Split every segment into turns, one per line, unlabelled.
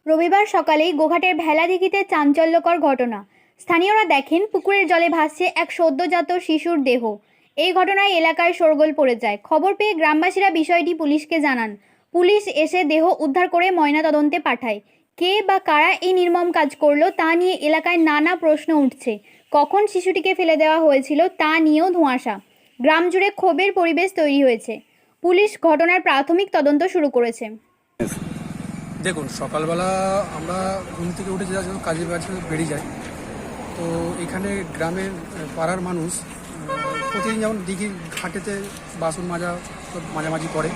রবিবার সকালেই গোঘাটের ভেলাদিঘিতে চাঞ্চল্যকর ঘটনা। স্থানীয়রা দেখেন পুকুরের জলে ভাসছে এক সদ্যজাত শিশুর দেহ। এই ঘটনায় এলাকায় শোরগোল পড়ে যায়। খবর পেয়ে গ্রামবাসীরা বিষয়টি পুলিশকে জানান। পুলিশ এসে দেহ উদ্ধার করে ময়নাতদন্তে পাঠায়। কে বা কারা এই নির্মম কাজ করলো তা নিয়ে এলাকায় নানা প্রশ্ন উঠছে। কখন শিশুটিকে ফেলে দেওয়া হয়েছিল তা নিয়েও ধোঁয়াশা। গ্রাম জুড়ে ক্ষোভের পরিবেশ তৈরি হয়েছে। পুলিশ ঘটনার প্রাথমিক তদন্ত শুরু করেছে।
দেখুন, সকালবেলা আমরা ঘুম থেকে উঠে যা কাজের কাছে বেরিয়ে যাই। তো এখানে গ্রামের পাড়ার মানুষ প্রতিদিন যেমন দিঘির ঘাটেতে বাসন মাজা মাঝামাঝি করে।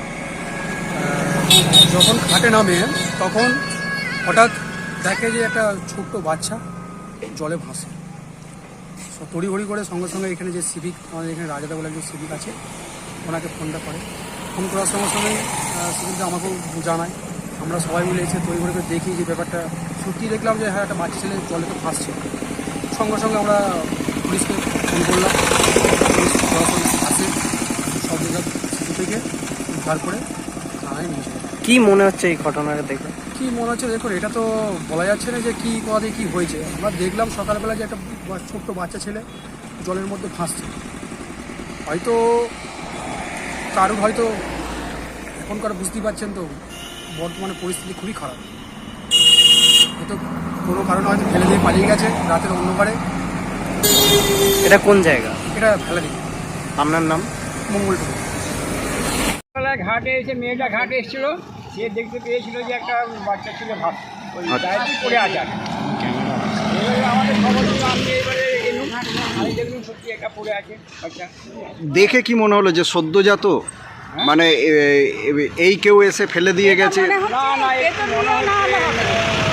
যখন ঘাটে নামে তখন হঠাৎ দেখে যে একটা ছোট্ট বাচ্চা জলে ভাসে। তড়িঘড়ি করে সঙ্গে সঙ্গে এখানে যে সিভিক, আমাদের এখানে রাজাদা বলে একজন সিভিক আছে, ওনাকে ফোনটা করে। ফোন করার সঙ্গে সঙ্গে সিভিকটা আমাকেও জানায়। আমরা সবাই মিলে এসে তৈরি করে দেখি যে ব্যাপারটা সত্যি, দেখলাম যে হ্যাঁ একটা বাচ্চা ছেলে জলে তো ভাসছে। সঙ্গে সঙ্গে আমরা পুলিশকে ফোন করলাম। পুলিশ সরাসরি আসে, সব জায়গায় শিশু থেকে উদ্ধার করে থানায় নিয়ে যায়।
কী মনে হচ্ছে এই ঘটনাটা দেখে?
কী মনে হচ্ছে দেখুন, এটা তো বলা যাচ্ছে না যে কী পদে কী হয়েছে। আমরা দেখলাম সকালবেলা যে একটা ছোট্ট বাচ্চা ছেলে জলের মধ্যে ভাসছে। হয়তো কারোর হয়তো এখনকার বুঝতেই পারছেন তো বর্তমানে পরিস্থিতি খুবই খারাপ। হয়তো কোনো কারণে হয়তো ফেলে দিয়ে পালিয়ে গেছে রাতের অন্ধকারে।
এটা কোন জায়গা?
এটা ফেলে দিই।
আপনার নাম?
মঙ্গলটুকু।
ঘাটে এসে মেয়েটা ঘাটে এসেছিল, সে দেখতে পেয়েছিল যে একটা বাচ্চা ছিল ভাত ওই গায়ে পড়ে আছে। এবারে আমাদের খবর হলো, আমি এবারে এলুম, আমি দেখলাম সত্যি একটা পড়ে আছে বাচ্চা।
দেখে কি মনে হলো যে সদ্যজাত, মানে এই কেউ এসে ফেলে দিয়ে গেছে?
না না, একটু মনে হচ্ছে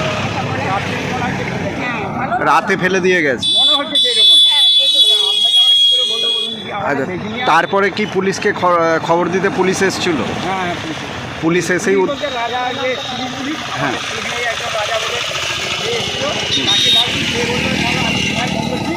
রাতে ফেলে দিয়ে গেছে
মনে হচ্ছে যে এরকম। আমরা কি করে বলবো বলুন?
আচ্ছা, তারপরে কি পুলিশকে খবর দিতে পুলিশ এসেছিল?
হ্যাঁ,
পুলিশ এসেই
রাজা যে পুলিশ,
হ্যাঁ,
একজন রাজা বলে সে এসেছিল, তাকে ডাকি, সে বললো আমি ফোন করছি।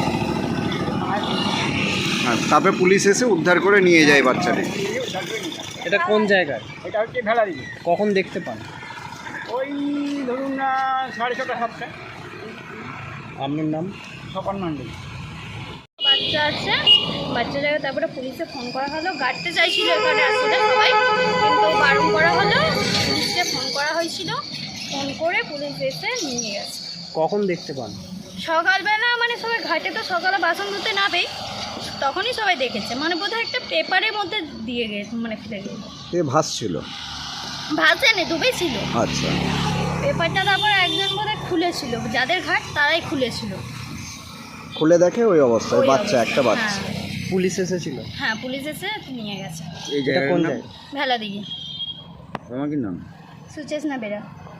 তারপরে পুলিশ এসে উদ্ধার করে নিয়ে যায় বাচ্চাটি।
এটা কোন জায়গায়?
এটা হচ্ছে ভেলাদিঘি।
কখন দেখতে পান?
ওই ধরুন না 6:30 7টা।
আপনার নাম?
স্বপন মণ্ডল।
বাচ্চা আছে, বাচ্চা জায়গায় তারপরে পুলিশে ফোন করা হলো। গাড়তে চাইছিল এখানে আসলে সবাই, কিন্তু বারণ করা হলো। পুলিশকে ফোন করা হয়েছিল, ফোন করে পুলিশ এসে নিয়ে গেছে।
কখন দেখতে পান?
সকালবেলা মানে সবাই ঘাটে তো সকালে বাসন ধুতে নাবে, তখনই সবাই দেখেছে। মানে বোধহয় একটা পেপারের মধ্যে দিয়ে গেছে, মানে ফেলে গেছে।
ভাসছিল?
ভাসেনি, ডুবেছিল।
আচ্ছা,
পেপারটা তারপরে একজন বোধহয় খুলেছিল, যাদের ঘাট তারাই খুলেছিল।
খুলে দেখে ওই অবস্থায়
ওই
বাচ্চা,
অবস্থা,
একটা বাচ্চা।
হ্যাঁ।
পুলিশ এসেছিল?
হ্যাঁ, পুলিশ এসে নিয়ে গেছে।
এই
এটা কোন জায়গা?
ভেলাদিঘি।
আমার কি নাম?
সুচেতনা বেরা।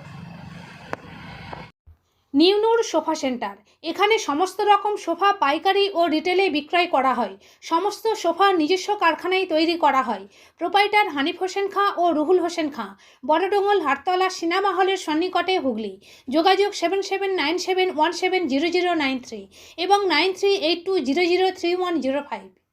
নিউনুর সোফা সেন্টার। এখানে সমস্ত রকম সোফা পাইকারি ও রিটেলে বিক্রয় করা হয়। সমস্ত সোফা নিজস্ব কারখানায় তৈরি করা হয়। প্রোপাইটার হানিফ হোসেন খাঁ ও রুহুল হোসেন খাঁ, বড়ডোঙ্গল হাটতলা সিনেমা হলের সন্নিকটে, হুগলি। যোগাযোগ 7797170093 এবং 9382003105।